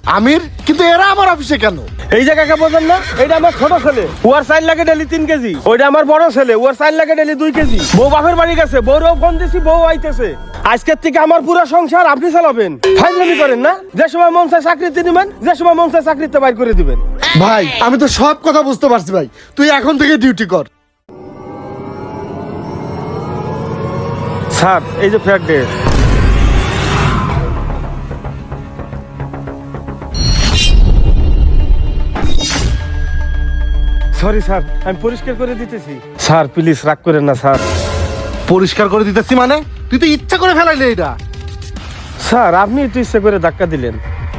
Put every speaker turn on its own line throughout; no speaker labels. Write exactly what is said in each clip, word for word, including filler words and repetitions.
আমির, কিন্তু এরা আমার অফিসে কেন?
এই জায়গাকে বোঝেন না? এটা আমার ছোট ছেলে, ওর সাইন লাগে ডেলি তিন কেজি। ওইটা আমার বড় ছেলে, ওর সাইন লাগে ডেলি দুই কেজি। বউ বাপের বাড়ি গেছে, বউরও ফোন দিছি, বউ আইতেছে। আজকের থেকে আমার পুরো সংসার আপনি চালাবেন। ফাইজলামি করেন না? যে সময় মন চায় চাকরিতে দিবেন, যে সময় মন চায় চাকরিতে বাইর করে দিবেন।
ভাই আমি তো সব কথা বুঝতে পারছি ভাই, তুই এখন থেকে ডিউটি কর।
স্যার এই যে ফ্ল্যাট ডে। সরি স্যার, আমি পরিষ্কার করে দিতেছি। স্যার প্লিজ রাগ করেন না স্যার।
পরিষ্কার করে দিতেছি মানে? তুই তো ইচ্ছা করে ফেলাইলি এটা।
স্যার আপনি একটু ইচ্ছে করে ধাক্কা দিলেন।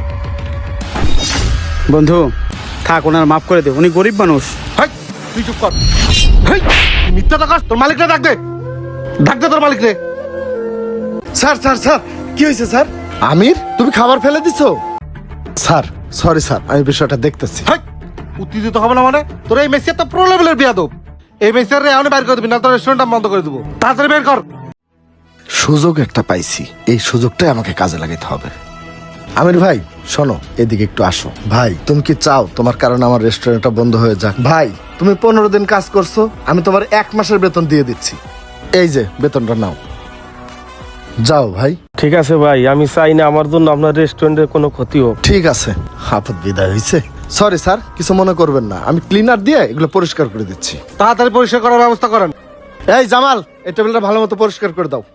বন্ধু থাক, ওনার মাফ করে দে, উনি গরিব মানুষ।
হাই, তুই চুপ কর। হাই, তুই মিথ্যা টাকা, তোর মালিকরে ডাক দে, ডাক দে তোর মালিকরে। স্যার স্যার স্যার কি হয়েছে স্যার? আমির, তুমি খাবার ফেলে দিছো? স্যার সরি স্যার, আমি বিষয়টা দেখতেছি। হাই, উত্তেজিত হবে না মানে? তোর এই মেসিয়া তো প্রো লেভেলের বিয়াদব। এই মেসিয়ার রে এখন বাইর করে দিবি, না তোর রেস্টুরেন্টটা বন্ধ করে দেবো। তাড়াতাড়ি বের কর। সুযোগ একটা পাইছি, এই সুযোগটাই আমাকে কাজে লাগাতে হবে। আমির ভাই শোনো, এদিকে একটু আসো। ভাই তুমি কি চাও তোমার কারণে আমার রেস্টুরেন্টটা বন্ধ হয়ে যাক? ভাই তুমি পনেরো দিন কাজ করছো, আমি তোমার এক মাসের বেতন দিয়ে দিচ্ছি। এই যে বেতনটা নাও, যাও ভাই।
ঠিক আছে ভাই, আমি চাই না আমার জন্য আপনার রেস্টুরেন্টের কোনো ক্ষতি হোক।
ঠিক আছে, আপদ বিদায় হয়েছে। সরি স্যার, কিছু মনে করবেন না, আমি ক্লিনার দিয়ে এগুলো পরিষ্কার করে দিচ্ছি। তাড়াতাড়ি পরিষ্কার করার ব্যবস্থা করেন। এই জামাল, এই টেবিলটা ভালো মতো পরিষ্কার করে দাও।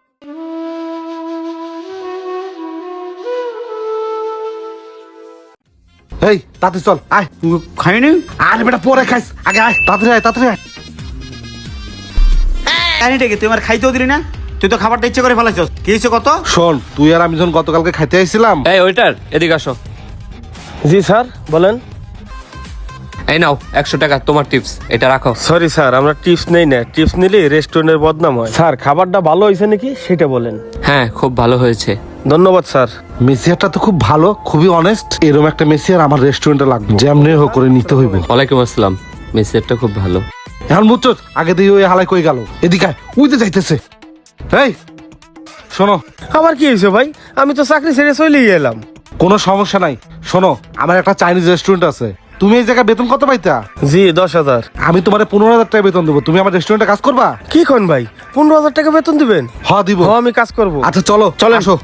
এই তাতে চল, আয়।
খাইনি?
আরে বেটা পরে খাইস, আগে আয়, তাড়াতাড়ি আয়, তাড়াতাড়ি আয়।
খাইনি ডেকে তুই আমার খাইতেও দিলি না, তুই তো খাবারটা ইচ্ছে করে ফেলাইছস। কি হয়েছে কত?
শোন, তুই আর আমি যখন গতকালকে খাইতে আইছিলাম।
এই ওয়েটার, এদিকে আসো।
জি স্যার বলেন।
এই নাও একশো টাকা তোমার টিপস, এটা রাখো।
সরি স্যার, আমরা টিপস নেই না, টিপস নিলে রেস্টুরেন্টের বদনাম হয়। স্যার খাবারটা ভালো হয়েছে নাকি সেটা বলেন।
হ্যাঁ খুব ভালো হয়েছে।
ধন্যবাদ স্যার।
মেসিয়ারটা তো খুব ভালো, খুবই অনেস্ট। এরকম একটা মেসিয়ার আমার রেস্টুরেন্টে লাগবে, যেমনি হোক করে নিতে হইব।
ওয়ালাইকুম আসসালাম, মেসেজটা খুব ভালো।
এখন বুঝছো, আগে দিয়ে ওই হালাই কই গেল, এদিকে আয়, উইতে যাইতেছে। এই শোনো।
আবার কি হয়েছে ভাই? আমি তো চাকরি ছেড়ে চলেই এলাম।
কোনো সমস্যা নাই, শোনো আমার একটা চাইনিজ রেস্টুরেন্ট আছে। তুমি এই জায়গায় বেতন কত পাইতা?
জি দশ হাজার।
আমি তোমার পনেরো হাজার টাকা বেতন দেবো, তুমি আমার রেস্টুরেন্টে কাজ করবা?
কি কোন ভাই, পনেরো হাজার টাকা বেতন দিবেন?
হ্যাঁ দিব।
হ্যাঁ আমি কাজ করবো।
আচ্ছা চলো চলে আসো।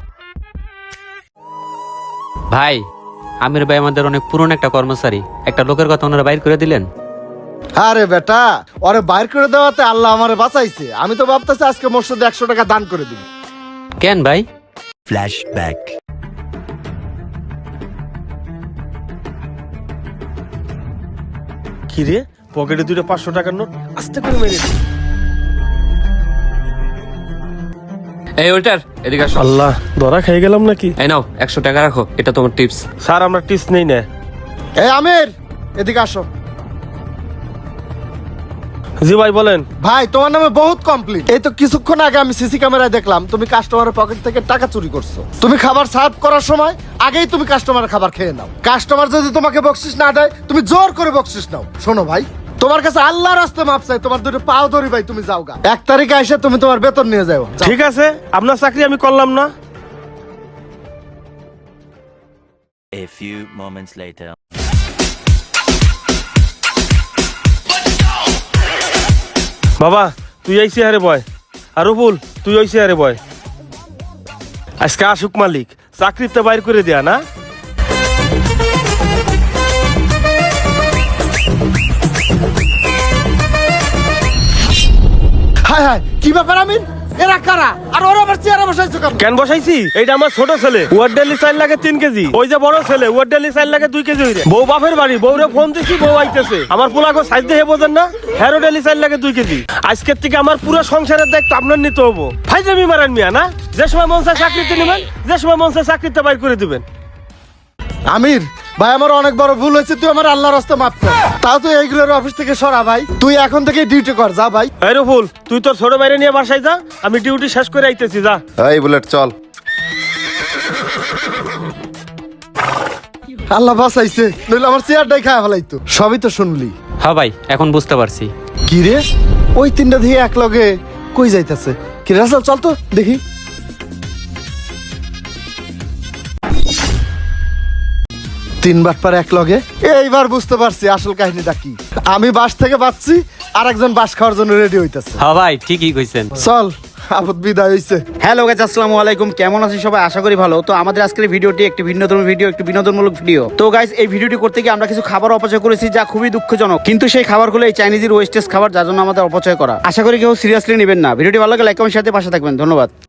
ভাই আমির ভাই আমাদের অনেক পুরনো একটা কর্মচারী, একটা লোকের কথা ওনারা বাইর করে দিলেন।
আরে বেটা, ওরে বাইর করে দেওয়াতে আল্লাহ আমারে বাঁচাইছে। আমি তো ভাবতেছি আজকে মসজিদে একশো টাকা দান করে দিবি।
কেন ভাই?
Flashback.
কি রে, পকেটে দুটো পাঁচশো টাকার নোট আস্তে করে মেরে দিই।
এই ওয়েটার, এদিকে আসো।
আল্লাহ, ধরা খেয়ে গেলাম নাকি?
এই নাও একশো টাকা রাখো, এটা তোমার টিপস।
স্যার আমরা টিপস নেই না।
এই আমির, এদিকে আসো।
জি ভাই বলেন।
ভাই তোমার নামে বহুত কমপ্লেইন। এই তো কিছুক্ষণ আগে আমি সিসি ক্যামেরায় দেখলাম তুমি কাস্টমারের পকেট থেকে টাকা চুরি করছো। তুমি খাবার সার্ভ করার সময় আগেই তুমি কাস্টমারের খাবার খেয়ে নাও। কাস্টমার যদি তোমাকে বকশিস না দেয়, তুমি জোর করে বকশিস নাও। শোনো ভাই, তোমার কাছে আল্লাহর রাস্তে মাপ চাই, তোমার দুটো পাও ধরি ভাই, তুমি যাও গা। এক তারিখে এসে তুমি তোমার বেতন নিয়ে যাও। যাও।
ঠিক আছে, আপনার চাকরি আমি করলাম না।
A few moments later.
বাবা তুই এই চেয়ারে বয়, আর রুবুল তুই ওই চেয়ারে বয়। আজকে আসুক মালিক, চাকরিতে বাইর করে দেয়া না।
হায় হায়, কি ব্যাপার আমির? এরা কারা? আর ওরা আবার চেয়ারে বসাইছো কেন?
কেন বসাইছি? এইটা আমার ছোট ছেলে, ওয়ার ডেলি চাল লাগে তিন কেজি। ওই যে বড় ছেলে, ওয়ার ডেলি চাল লাগে দুই কেজি। হইরে বউ বাপের বাড়ি, বউরে ফোন দিছি, বউ আইতেছে। আমার পোলাগো সাইজ দেখে বোঝেন না, হেরো ডেলি চাল লাগে দুই কেজি। আজকের থেকে আমার পুরো সংসারের দায়িত্ব আপনার নিতে হবো। ফাইজলামি মারান মিয়া না, যে সময় মন চায় চাকরিতে নেবেন, যে সময় মন চায় চাকরিতে বাইর করে দিবেন।
আমির ভাই, আমার অনেক বড় ভুল হয়েছে, তুই আমার আল্লাহর রাস্তা মাফ কর। তাও তুই এইগুলোর অফিস থেকে সরা ভাই, তুই এখন থেকে ডিউটি কর, যা ভাই।
এই রুবুল, তুই তোর ছোট বাইরে নিয়ে বাসায় যা, আমি ডিউটি শেষ করে আইতেছি, যা।
এই বুলেট চল। আল্লাহ বাঁচাইছে, নইলে আমার চেয়ারটাই খায় ফেলাইতো। সবই তো শুনলি।
হ্যাঁ ভাই এখন বুঝতে পারছি।
কি রে, ওই তিনটা দিয়ে এক লগে কই যাইতেছে? কি রাসেল, চল তো দেখি। তিনবার পর এক লগে এইবার বুঝতে পারছি আসল কাহিনীটা কি। আমি বাস থেকে বাঁচছি আর একজন বাস খাওয়ার জন্য রেডি হইতাছে।
হ্যাঁ ভাই ঠিকই কইছেন।
চল আপদ বিদায় হইছে।
হ্যালো গাইস, আসসালামু আলাইকুম। কেমন আছেন সবাই? আশা করি ভালো। তো আমাদের আজকের ভিডিওটি একটি ভিন্নধর্মী ভিডিও, একটি বিনোদনমূলক ভিডিও। তো গাইস, এই ভিডিওটি করতে গিয়ে আমরা কিছু খাবার অপচয় করেছি, যা খুবই দুঃখজনক। কিন্তু সেই খাবারগুলো এই চাইনিজের ওয়েস্টেজ খাবার, যার জন্য আমাদের অপচয় করা। আশা করি কেউ সিরিয়াসলি নেবেন না। ভিডিওটি ভালো লাগলে লাইক কমেন্ট সাথে পাশে থাকবেন। ধন্যবাদ।